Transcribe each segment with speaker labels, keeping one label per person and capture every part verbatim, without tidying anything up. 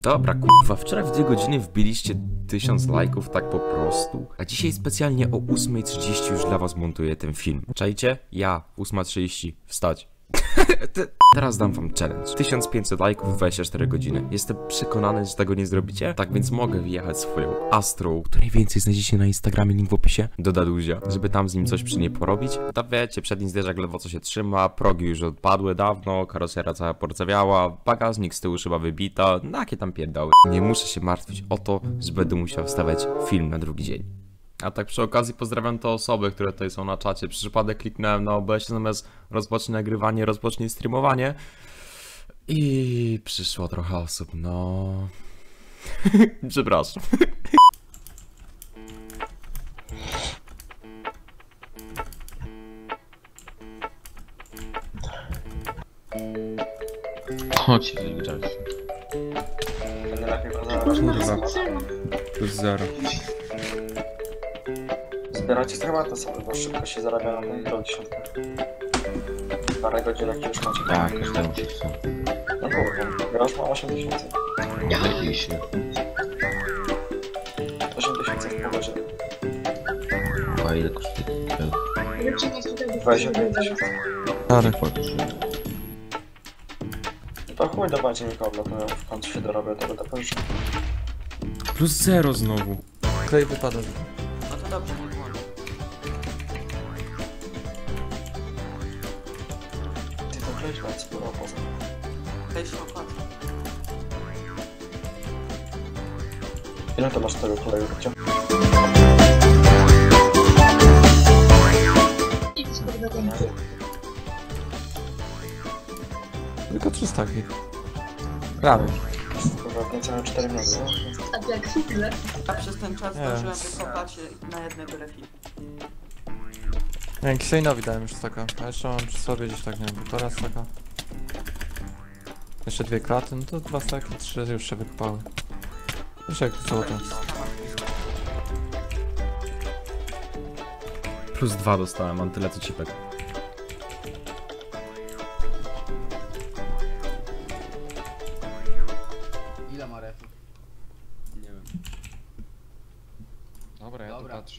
Speaker 1: Dobra, kurwa, wczoraj w dwie godziny wbiliście tysiąc lajków tak po prostu. A dzisiaj specjalnie o ósma trzydzieści już dla was montuję ten film. Czajcie? Ja, ósma trzydzieści, wstać. Teraz dam wam challenge. tysiąc pięćset lajków w dwadzieścia cztery godziny. Jestem przekonany, że tego nie zrobicie. Tak więc mogę wyjechać swoją Astrą, której więcej znajdziecie na Instagramie, link w opisie, do Daduzia, żeby tam z nim coś przy niej porobić. To wiecie, przedni zderzak ledwo co się trzyma, progi już odpadły dawno, karosera cała porcewiała, bagażnik z tyłu szyba wybita, no jakie tam pierdały. Nie muszę się martwić o to, że będę musiał wstawiać film na drugi dzień. A tak przy okazji pozdrawiam te osoby, które tutaj są na czacie. Przy przypadek kliknąłem na O B S zamiast rozpocznij nagrywanie, rozpocznij streamowanie. I przyszło trochę osób, no... Przepraszam.
Speaker 2: Chodź, wygrać.
Speaker 1: Kurwa. Plus zero.
Speaker 3: Zbieracie schematy sobie, bo szybko się zarabia na tej do dziesiątkę. Parę godzinek już macie.
Speaker 2: Tak, każdemu się chce.
Speaker 3: No kurwa, grasz ma osiem tysięcy.
Speaker 2: Nie chodzi się.
Speaker 3: osiem tysięcy w pół godziny.
Speaker 2: A ile kosztuje?
Speaker 3: dwadzieścia pięć tysięcy.
Speaker 2: Ale
Speaker 3: To chuj do bardziej nikogo, to w końcu się dorobię, to będę pożyczał.
Speaker 1: Plus zero znowu.
Speaker 4: Klej wypada.
Speaker 3: No to dobrze, nie włączę. Ty to kleisz na sporo poza. Kleisz na opłat. Ile to masz tego kleju, Rycia?
Speaker 4: Tylko trzysta takich. Prawie.
Speaker 3: Kurwa, niecałe cztery minuty, no?
Speaker 5: A jak chwilę?
Speaker 6: Ja przez ten czas
Speaker 4: Nie.
Speaker 6: zdążyłem wykopać na jednego refi.
Speaker 4: Nie wiem, Kiseinowi dałem już staka. A jeszcze mam przy sobie gdzieś tak, nie wiem, półtora staka. Jeszcze dwie kraty, no to dwa staki, trzy już się wykopały. Jeszcze jak złoto.
Speaker 1: Plus dwa dostałem, mam tyle co cipek.
Speaker 7: Ile ma refów?
Speaker 1: Nie wiem.
Speaker 4: Dobra, ja
Speaker 7: Dobra.
Speaker 4: tu patrzę.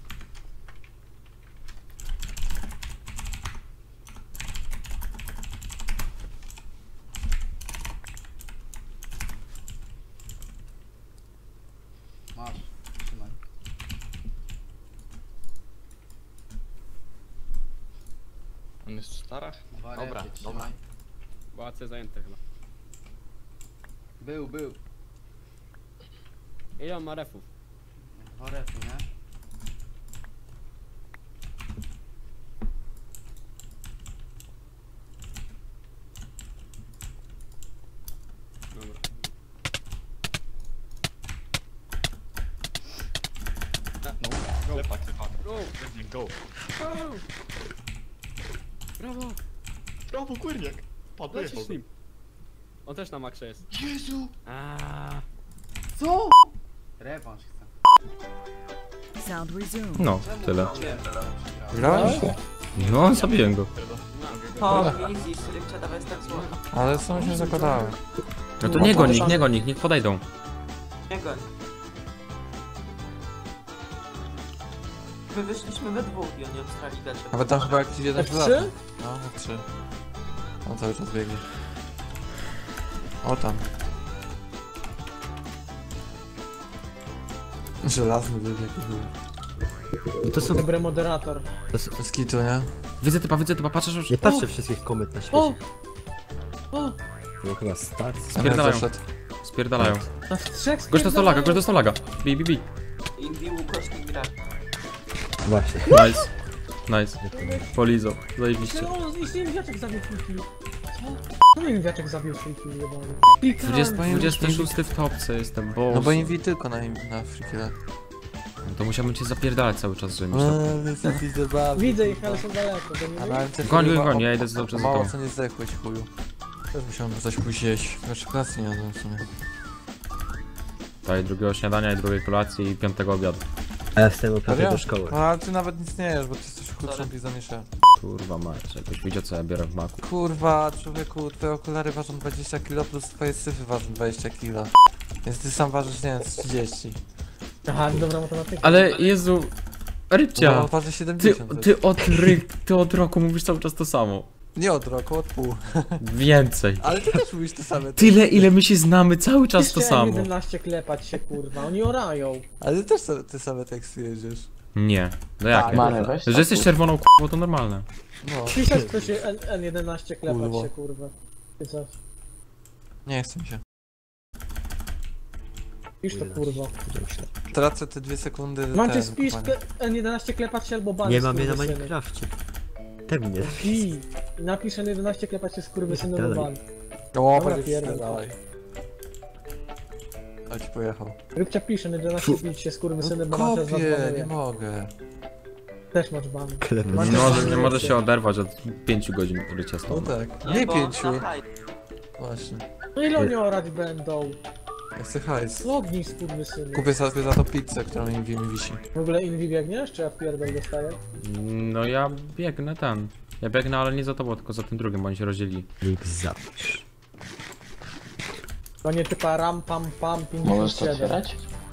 Speaker 7: Masz, trzymaj.
Speaker 2: on jest w starach?
Speaker 7: Dwa
Speaker 2: Dobra,
Speaker 7: refy,
Speaker 2: dobra.
Speaker 7: trzymaj.
Speaker 8: Pałace zajęte chyba.
Speaker 7: Był, był.
Speaker 8: Ile on ma refów?
Speaker 7: Dwa refy, nie?
Speaker 8: Dobra.
Speaker 2: No, lepak, lepak.
Speaker 8: Go!
Speaker 2: Go.
Speaker 8: Go! Brawo!
Speaker 2: Brawo, kurniak. Padł,
Speaker 8: Lecisz z nim. On też na maksie jest.
Speaker 2: Jezu!
Speaker 8: Aaaa.
Speaker 7: Co? Rewanż chcę.
Speaker 5: Sound resumed.
Speaker 1: No, tyle.
Speaker 4: Grałeś?
Speaker 1: No, zabiłem go.
Speaker 6: O, easy, Rybcia, dawaj tak zło.
Speaker 4: Ale są się zakładały.
Speaker 1: No to nie go nikt, nie go nikt, niech podejdą.
Speaker 6: Nie goń. My wyszliśmy we dwóch i oni obstrali gacie.
Speaker 4: Nawet tam chyba jakiś jeden
Speaker 5: F trzy?
Speaker 4: No, F trzy. On cały czas biegnie. O tam. Żelazny bieg jaki był.
Speaker 1: I to są...
Speaker 5: Dobry moderator.
Speaker 4: Bez kitu, nie?
Speaker 1: Widzę typa, widzę typa, patrzysz już...
Speaker 9: Nie patrzę wszystkich komet na świecie.
Speaker 5: O! O!
Speaker 9: Było chyba start.
Speaker 1: Spierdalają.
Speaker 4: Zaszedł.
Speaker 1: Spierdalają.
Speaker 5: Na trzech
Speaker 1: Gość dostał laga, gość dostał laga. Bi, bi, bi.
Speaker 6: Indy Łukoszki gra.
Speaker 9: Właśnie.
Speaker 1: Nice. Nice. Polizo. Zajebiście.
Speaker 5: No, zniszczyłem wiaczek zabił swój kill. Co? No nie wiem, wiaczek zabił swój kill, jebany.
Speaker 1: dwudziesty, dwudziesty szósty w topce jestem, bo...
Speaker 4: No bo inwi tylko na, na freakile.
Speaker 1: To musiałbym cię zapierdalać cały czas, żeby mieć to...
Speaker 4: Widzę bardzo.
Speaker 5: Widzę ich, ale są daleko.
Speaker 4: A na M C
Speaker 1: Goń, goń,
Speaker 4: chyba
Speaker 1: goń, ja
Speaker 4: o-
Speaker 1: idę cały czas za
Speaker 4: Mało
Speaker 1: tobą.
Speaker 4: co nie zdechłeś, chuju. Też musiałem coś pójść jeść. Jeszcze klasy nie jadłem w sumie.
Speaker 1: Daj drugiego śniadania i drugiej kolacji i piątego obiadu.
Speaker 9: A ja wstałem o piątej
Speaker 4: Serio?
Speaker 9: do szkoły.
Speaker 4: No ale ty nawet nic nie jesz, bo ty jesteś chudszą
Speaker 6: Sorry.
Speaker 4: pizza niż ja.
Speaker 1: Kurwa mać, jakbyś widział co ja biorę w maku.
Speaker 4: Kurwa, człowieku, twoje okulary ważą dwadzieścia kilo plus twoje syfy ważą dwadzieścia kilo. Więc ty sam ważysz, nie wiem, z trzydzieści.
Speaker 5: Aha, dobra matematyka.
Speaker 1: Ale Jezu, Rybcia,
Speaker 4: No, waży
Speaker 1: ty,
Speaker 4: siedemdziesiąt.
Speaker 1: ty, od ry, ty od roku mówisz cały czas to samo.
Speaker 4: Nie od roku, od pół.
Speaker 1: Więcej.
Speaker 4: Ale ty też mówisz to same.
Speaker 1: Tyle ile my się znamy, cały czas to
Speaker 5: Jeszcze
Speaker 1: samo.
Speaker 5: jedenaście klepać się, kurwa, oni orają.
Speaker 4: Ale ty też sa- ty same teksty jedziesz.
Speaker 1: Nie, no jak?
Speaker 4: Tak,
Speaker 1: nie?
Speaker 3: Mary, weź
Speaker 1: Że jesteś czerwoną k***ą to normalne.
Speaker 4: No.
Speaker 5: Pisać to się N, N jedenaście klepać
Speaker 4: Kurwa.
Speaker 5: się, kurwa. Ty co?
Speaker 4: Nie chcę mi się.
Speaker 5: Pisz to, kurwa.
Speaker 4: Tracę te dwie sekundy.
Speaker 5: Mam cię
Speaker 4: ten,
Speaker 5: spisz
Speaker 4: kopania.
Speaker 5: N jedenaście klepać się albo bany.
Speaker 9: Nie mam je na
Speaker 5: skurwysyny.
Speaker 9: Minecrafcie. Te mnie.
Speaker 5: I napisz N jedenaście klepać się skurwysyny albo
Speaker 9: Dalej.
Speaker 5: ban.
Speaker 4: O,
Speaker 5: Dobra,
Speaker 4: będzie
Speaker 5: pierdol.
Speaker 4: dalej. A ci pojechał.
Speaker 5: Rybcia pisze N jedenaście bić się skurwysyny, bo macie z was
Speaker 4: Kopię, nie
Speaker 5: banuje.
Speaker 4: mogę.
Speaker 5: Też masz ban.
Speaker 9: Klepę.
Speaker 5: Macie
Speaker 1: Nie może,
Speaker 5: ban.
Speaker 1: nie może się oderwać od pięciu godzin rycia
Speaker 4: No
Speaker 1: stąd.
Speaker 4: tak. Nie
Speaker 6: bo
Speaker 4: pięciu.
Speaker 6: za hajs.
Speaker 4: Właśnie.
Speaker 5: No ile oni orać będą?
Speaker 4: Ja chcę hajs.
Speaker 5: Lognij skurwysyny.
Speaker 4: Kupię sobie za to pizzę, która mi mi wisi.
Speaker 5: W ogóle Invi biegniesz, czy ja pierdol dostaję?
Speaker 1: No ja biegnę ten. Ja biegnę, ale nie za tobą, tylko za tym drugim, bo oni się rozdzielili.
Speaker 9: Link zapisz.
Speaker 5: To nie typa ram pam pam
Speaker 3: Możesz to
Speaker 5: pięćdziesiąt siedem.
Speaker 3: otwierać?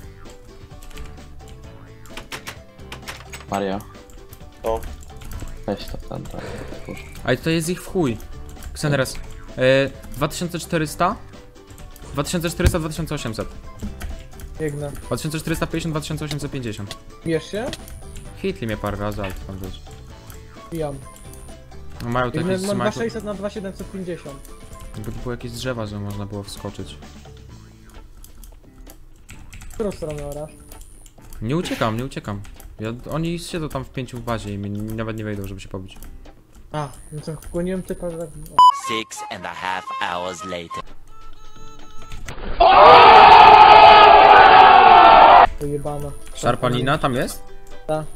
Speaker 3: Mario.
Speaker 2: To.
Speaker 3: Weź to tam, tam. otwórz.
Speaker 1: Ale to jest ich w chuj. Xenres. E, dwa tysiące czterysta? dwa tysiące czterysta, dwa tysiące osiemset.
Speaker 5: Biegnę.
Speaker 1: dwa tysiące czterysta pięćdziesiąt, dwa tysiące osiemset pięćdziesiąt.
Speaker 5: Bierz się?
Speaker 1: Hitli mnie parę razy, ale to tam wiesz.
Speaker 5: Bijam.
Speaker 1: No mają tu
Speaker 5: Biegnę,
Speaker 1: jakieś
Speaker 5: mam
Speaker 1: mają
Speaker 5: dwa
Speaker 1: tu-
Speaker 5: sześćset na dwa siedemset pięćdziesiąt.
Speaker 1: Jakby tu były jakieś drzewa, że można było wskoczyć.
Speaker 5: W którą stronę orasz?
Speaker 1: Nie uciekam, nie uciekam. Ja, oni siedzą tam w pięciu w bazie i mi nawet nie wejdą, żeby się pobić.
Speaker 5: A, no to wkłoniłem typa, że tak...
Speaker 10: Six and a half hours later.
Speaker 5: To jebana.
Speaker 1: Szarpanina tam jest?
Speaker 5: Tak.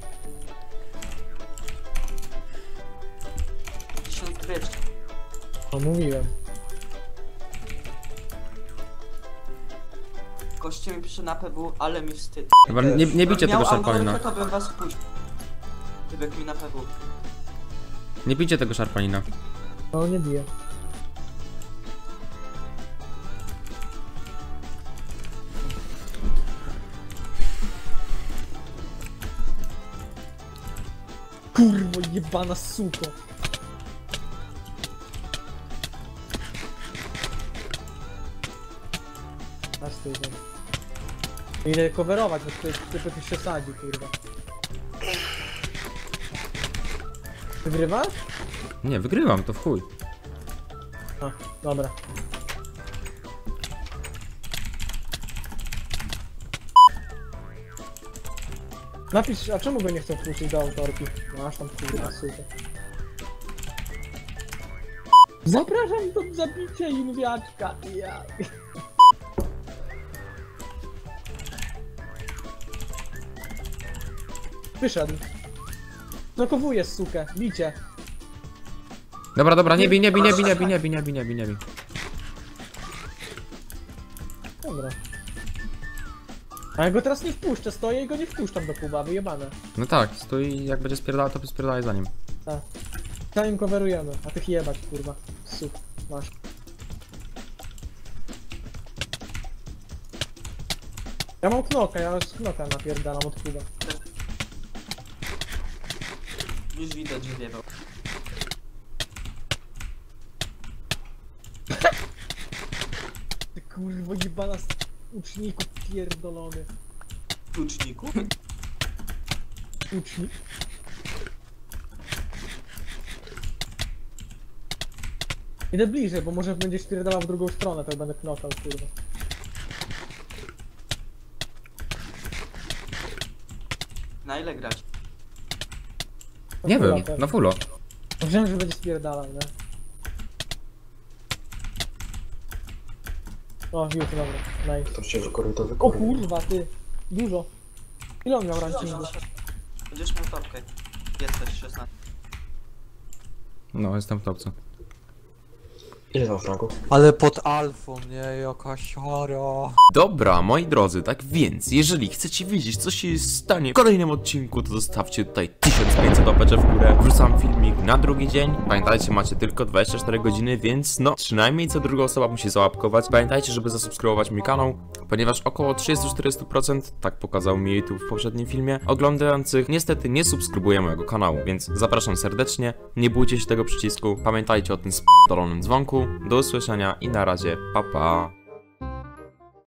Speaker 6: Tysiąc brycz.
Speaker 5: No mówiłem.
Speaker 6: Goście mi pisze na P W, ale mi wstyd.
Speaker 1: Chyba nie, nie bicie
Speaker 6: Miał
Speaker 1: tego szarpanina.
Speaker 6: Aurorkę, to bym was wpuścił. Gdyby mi na P W.
Speaker 1: Nie bicie tego szarpanina.
Speaker 5: No nie bije. Kurwo jebana suko. Aż ty idę. Idę coverować, bo ty, ty, ty się sadzi, kurwa. Wygrywasz?
Speaker 1: Nie, wygrywam, to w chuj.
Speaker 5: A, dobra. Napisz, a czemu go nie chcą wpuścić do autorki? Masz tam kurwa, super. Zapraszam do zabicia inwiaczka, ja. Wyszedł. Znokowuje sukę, bicie.
Speaker 1: Dobra, dobra, nie bij, nie bij, nie bij, nie bij, nie bij, nie bij, nie bij, nie bij.
Speaker 5: Dobra. A ja go teraz nie wpuszczę, stoję i go nie wpuszczam do kuba, wyjebane.
Speaker 1: No tak, stój, jak będzie spierdalał, to spierdalaj za nim.
Speaker 5: Tak. Zanim coverujemy, a tych jebać, kurwa. Sup, masz. Ja mam knoka, ja z knoka napierdalam od kuba.
Speaker 6: Już widać, że wiewał.
Speaker 5: Ty kurwo jebana z uczniku pierdolony.
Speaker 6: Tuczniku?
Speaker 5: Ucznik. Idę bliżej, bo może będziesz pierdalał w drugą stronę, to będę knokał, kurwa.
Speaker 6: Na ile grać?
Speaker 5: No
Speaker 1: Nie
Speaker 5: fulla
Speaker 1: wiem,
Speaker 5: pewnie.
Speaker 1: na fullo.
Speaker 5: Wiem, że będzie spierdalał, nie? O, już, dobra, nice.
Speaker 3: To się wykoruj, to
Speaker 5: O
Speaker 3: wykoruj.
Speaker 5: kurwa, ty, dużo. Ile on miał rankingu?
Speaker 6: Będziesz miał topkę. Jesteś szesnaście.
Speaker 1: No, jestem w topce.
Speaker 3: Ile tam fragów?
Speaker 4: Ale pod alfą, nie? Jaka siara.
Speaker 1: Dobra, moi drodzy, tak więc, jeżeli chcecie wiedzieć, co się stanie w kolejnym odcinku, to zostawcie tutaj tysiąc pięćset łapeczek w górę. Wrzucam filmik na drugi dzień. Pamiętajcie, macie tylko dwadzieścia cztery godziny, więc no, przynajmniej co druga osoba musi załapkować. Pamiętajcie, żeby zasubskrybować mój kanał, ponieważ około trzydzieści do czterdziestu procent, tak pokazał mi YouTube w poprzednim filmie, oglądających niestety nie subskrybuje mojego kanału, więc zapraszam serdecznie, nie bójcie się tego przycisku, pamiętajcie o tym sp***dolonym dzwonku. Do usłyszenia i na razie, pa pa.